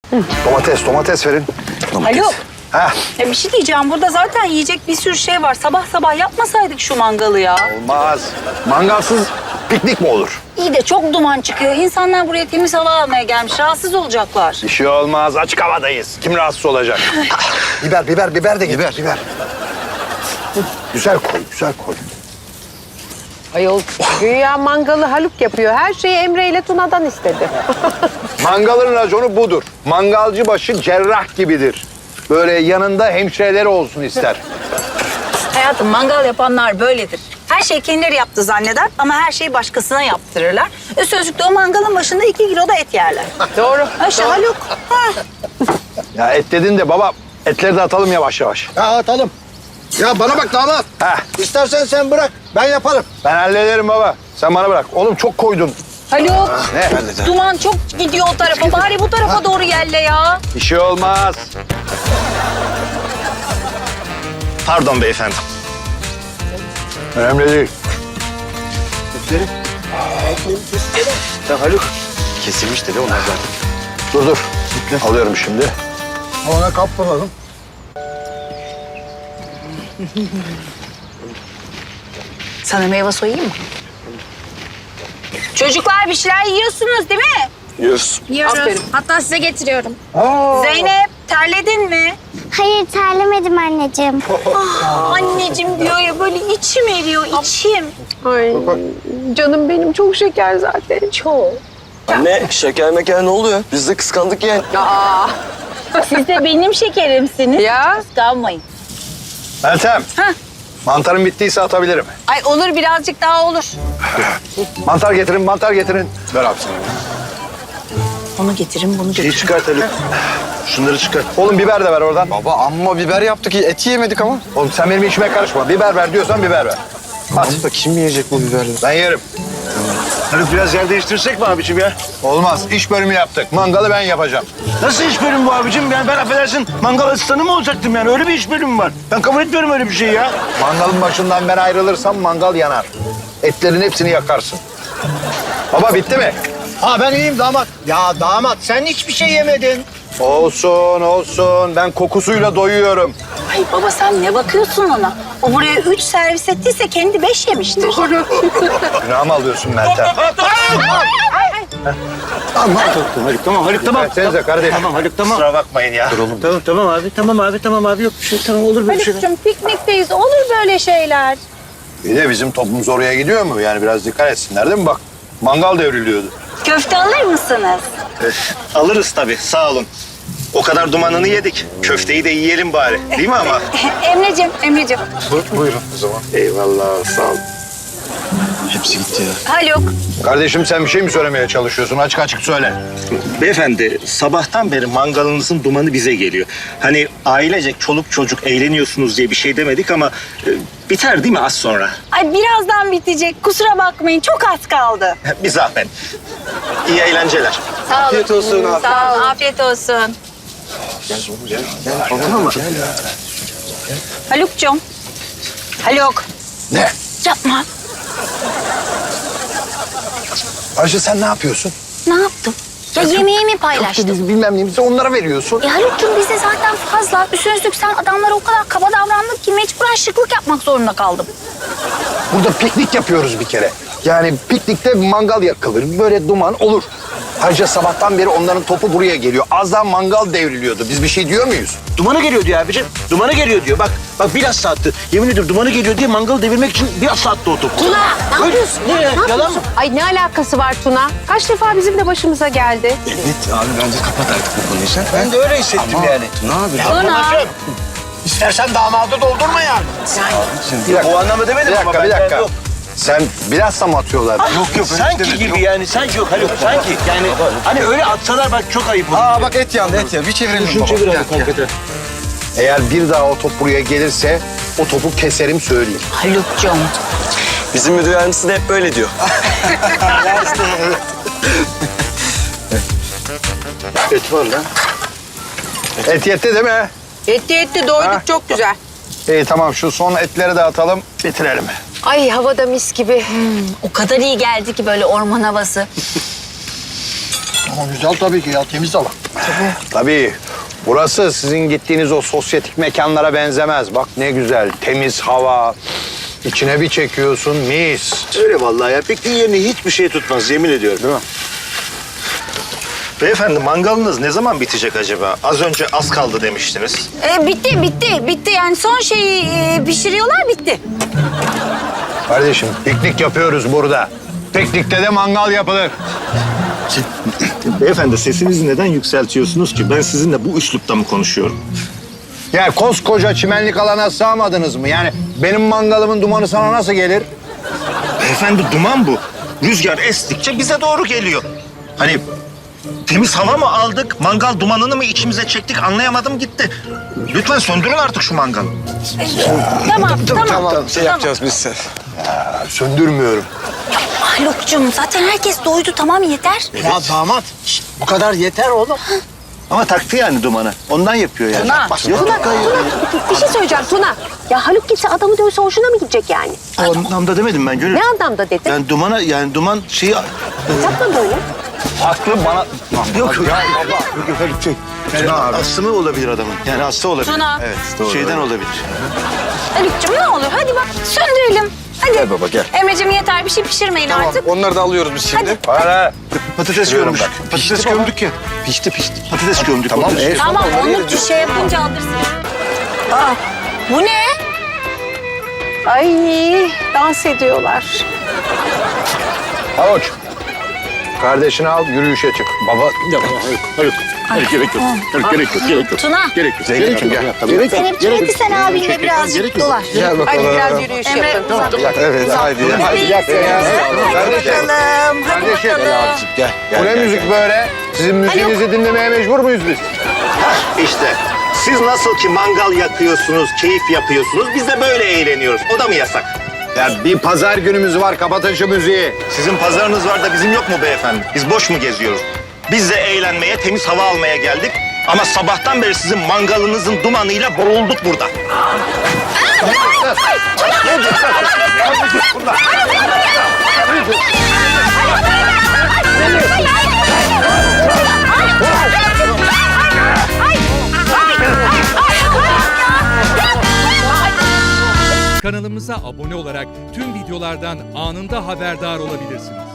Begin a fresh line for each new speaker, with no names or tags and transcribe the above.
Domates verin.
Haluk.
Ha,
Ya bir şey diyeceğim. Burada zaten yiyecek bir sürü şey var. Sabah sabah yapmasaydık şu mangalı ya.
olmaz. Mangalsız piknik mi olur?
İyi de çok duman çıkıyor. İnsanlar buraya temiz hava almaya gelmiş. Rahatsız olacaklar.
Bir şey olmaz. Açık havadayız. Kim rahatsız olacak? biber de getir. Biber. Güzel koy.
Ayol güya mangalı Haluk yapıyor. Her şeyi Emre ile Tuna'dan istedi.
Mangalın raconu budur. Mangalcı başı cerrah gibidir. Böyle yanında hemşireleri olsun ister.
Hayatım, mangal yapanlar böyledir. Her şeyi kendileri yaptı zanneder ama her şeyi başkasına yaptırırlar. Sözlükte o mangalın başında 2 kilo da et yerler.
Doğru.
Ayşe, Haluk. Ha.
Ya et dedin de baba, etleri de atalım yavaş yavaş.
Ya atalım. Ya bana bak damat.
Heh,
İstersen sen bırak. Ben yaparım.
ben hallederim baba. Sen bana bırak. Oğlum çok koydun.
Haluk.
Ne?
Duman çok gidiyor o tarafa. Bari bu tarafa doğru yelle ya.
Bir şey olmaz.
Pardon beyefendi.
Önemli değil.
Ya Haluk. Kesilmiş dedi onlar zaten.
Dur. Alıyorum şimdi.
Ona kaptıralım.
Sana meyve soyayım mı? Çocuklar bir şeyler yiyorsunuz değil mi?
Yiyoruz.
Yiyoruz.
Aferin.
Hatta size getiriyorum.
Zeynep, terledin mi?
Hayır terlemedim anneciğim.
Anneciğim diyor ya, böyle içim eriyor, içim.
Ay canım benim çok şeker zaten.
Çok.
Anne şeker meker ne oluyor? Biz de kıskandık yani.
Aa,
Siz de benim şekerimsiniz.
ya
Kıskanmayın.
Meltem.
Heh.
Mantarım bittiyse atabilirim.
Ay olur, birazcık daha olur.
Mantar getirin. Ver abi sana.
Onu getirin, bunu getirin.
Çıkartalım. Şunları çıkart.
Oğlum biber de ver oradan.
Baba amma biber yaptık. Eti yemedik ama.
Oğlum sen benim işime karışma. Biber ver diyorsan biber ver. At.
Da kim yiyecek bu biberleri?
Ben yerim.
Haluk biraz yer değiştirsek mi abicim ya?
Olmaz. İş bölümü yaptık. Mangalı ben yapacağım.
Nasıl iş bölümü bu abicim? Yani ben affedersin mangal asistanı mı olacaktım yani? Öyle bir iş bölümü var. Ben kabul etmiyorum öyle bir şeyi ya.
Mangalın başından ben ayrılırsam mangal yanar. Etlerin hepsini yakarsın. Baba bitti mi?
Ha ben iyiyim damat. Ya damat sen hiçbir şey yemedin.
Olsun. Ben kokusuyla doyuyorum.
Ay baba, sen ne bakıyorsun ona? O buraya 3 servis ettiyse kendi 5 yemiştir.
Günahımı alıyorsun Meltem.
Haluk tamam Haluk tamam.
Versenize kardeşim.
Tamam Haluk tamam.
Kusura bakmayın ya.
Tamam abi yok bir şey tamam olur böyle şeyler.
Haluk'cum, piknikteyiz, olur böyle şeyler.
Bir de bizim toplumumuz oraya gidiyor mu? Yani biraz dikkat etsinler değil mi? Bak mangal devriliyordu.
Köfte alır mısınız?
Alırız tabii sağ olun. O kadar dumanını yedik. Köfteyi de yiyelim bari. Değil mi ama?
Emreciğim.
Buyurun o zaman.
Eyvallah sağ olun. Hepsi gitti ya.
Haluk.
Kardeşim sen bir şey mi söylemeye çalışıyorsun? Açık açık söyle.
Beyefendi sabahtan beri mangalınızın dumanı bize geliyor. Hani ailecek çoluk çocuk eğleniyorsunuz diye bir şey demedik ama biter değil mi az sonra?
Ay birazdan bitecek. Kusura bakmayın, çok az kaldı.
Bir zahmet. İyi eğlenceler.
Sağ olun.
Afiyet olsun abi.
Sağ olun. Afiyet olsun. Haluk'cum. Haluk.
Ne?
Yapma.
Ayşe sen ne yapıyorsun?
Ne yaptım? Ya yemeğimi paylaştım.
Biz bilmem neyimizi onlara veriyorsun.
Haluk'cum, bize zaten fazla. Üstüne sen adamlara o kadar kaba davrandık ki mecburen şıklık yapmak zorunda kaldım.
Burada piknik yapıyoruz bir kere. Yani piknikte mangal yakılır. Böyle duman olur. Ayrıca sabahtan beri onların topu buraya geliyor. Az daha mangal devriliyordu. Biz bir şey diyor muyuz?
Dumanı geliyor diyor abicim. Dumanı geliyor diyor. Bak biraz saatti. Yemin ediyorum dumanı geliyor diye mangalı devirmek için biraz saatte o top.
Tuna ne yapıyorsun?
Ne ya? Yalan mı?
Ay ne alakası var Tuna? Kaç defa bizim de başımıza geldi.
Evet abi bence kapat artık bu konuyu sen.
Ben de öyle hissettim yani.
Ne abi?
Anacığım. İstersen damadı doldurma yani.
Bir dakika.
O anlamda demedim ama
Bir
ben
dakika.
yok.
Sen biraz da mı atıyorlar?
Yok sanki gibi yani sanki yok Haluk sanki yani hani öyle atsalar bak çok ayıp olur.
Aa bak et yandı et ya. Bir çevirelim
Şunu
baba.
çevir
Gel,
abi hakikaten.
Eğer bir daha o top buraya gelirse o topu keserim söyleyeyim.
Haluk'cum.
Bizim müdür yardımcısı da hep böyle diyor.
Et var lan.
Et yetti değil mi?
Yetti doyduk
Ha?
çok güzel.
İyi tamam şu son etleri de atalım bitirelim.
Ay havada mis gibi.
O kadar iyi geldi ki böyle orman havası.
Ama güzel tabii ki ya, temiz hava.
Tabii. Burası sizin gittiğiniz o sosyetik mekanlara benzemez. Bak ne güzel, temiz hava. İçine bir çekiyorsun, mis.
Öyle vallahi ya. Pikniğin yerini hiçbir şey tutmaz yemin ediyorum.
Değil mi?
Beyefendi mangalınız ne zaman bitecek acaba? Az önce az kaldı demiştiniz.
Bitti yani son şeyi pişiriyorlar bitti.
Kardeşim piknik yapıyoruz burada. Piknikte de mangal yapılır.
Beyefendi sesinizi neden yükseltiyorsunuz ki? Ben sizinle bu üslupta mı konuşuyorum?
Ya koskoca çimenlik alana sığamadınız mı? Yani benim mangalımın dumanı sana nasıl gelir?
Beyefendi duman bu. Rüzgar estikçe bize doğru geliyor. Hani temiz hava mı aldık, mangal dumanını mı içimize çektik anlayamadım gitti. Lütfen söndürün artık şu mangalı.
Tamam.
yapacağız biz sen. Söndürmüyorum.
Haluk'cum zaten herkes doydu tamam yeter.
Ya damat, şişt, bu kadar yeter oğlum.
Ama taktı yani dumanı. Ondan yapıyor yani.
Tuna.
Bir şey söyleyeceğim Tuna. Ya Haluk gitse adamı dövse hoşuna mı gidecek yani?
O anlamda demedim ben Gönül.
Ne anlamda dedin?
Yani dumana yani duman şeyi...
Yapma böyle.
Haklı bana...
Yok yok.
Ya baba.
Yok öyle bir şey. Yani astımı olabilir adamın. Yani hasta olabilir.
Tuna.
Evet doğru. Şeyden olabilir.
Haluk'cum ne olur hadi bak söndürelim. Hadi.
Gel baba, gel.
Emre'cim yeter bir şey pişirmeyin artık.
Onları da alıyoruz biz şimdi.
Hadi.
Hala.
Patates
Biliyorum
gömdük.
ben.
Patates gömdük ya.
Pişti.
Patates gömdük.
Tamam,
Patates-
Tamam onu bir şey yapınca alırsın. Aa, bu ne?
Ay dans ediyorlar.
Havuç. Kardeşini al, yürüyüşe çık. Baba...
Hayır gerek yok. Gerek yok.
Tuna.
Gerek yok.
Zeynep'ciğim gel. Gerek yok.
Zeynep'ciğim hadi sen abinle birazcık dolaş.
Gel
Hadi
bakalım.
biraz yürüyüş
Emre
yapın.
uzat.
Evet, haydi. Hadi gel.
Hadi bakalım. Hadi bakalım.
Gel. Bu ne müzik böyle? Sizin müziğinizi dinlemeye mecbur muyuz biz?
İşte siz nasıl ki mangal yakıyorsunuz, keyif yapıyorsunuz, biz de böyle eğleniyoruz. O da mı yasak?
Ya bir pazar günümüz var, kapatın şu müziği.
Sizin pazarınız var da bizim yok mu beyefendi? Biz boş mu geziyoruz? Biz de eğlenmeye, temiz hava almaya geldik. Ama sabahtan beri sizin mangalınızın dumanıyla boğulduk burada.
Kanalımıza abone olarak tüm videolardan anında haberdar olabilirsiniz.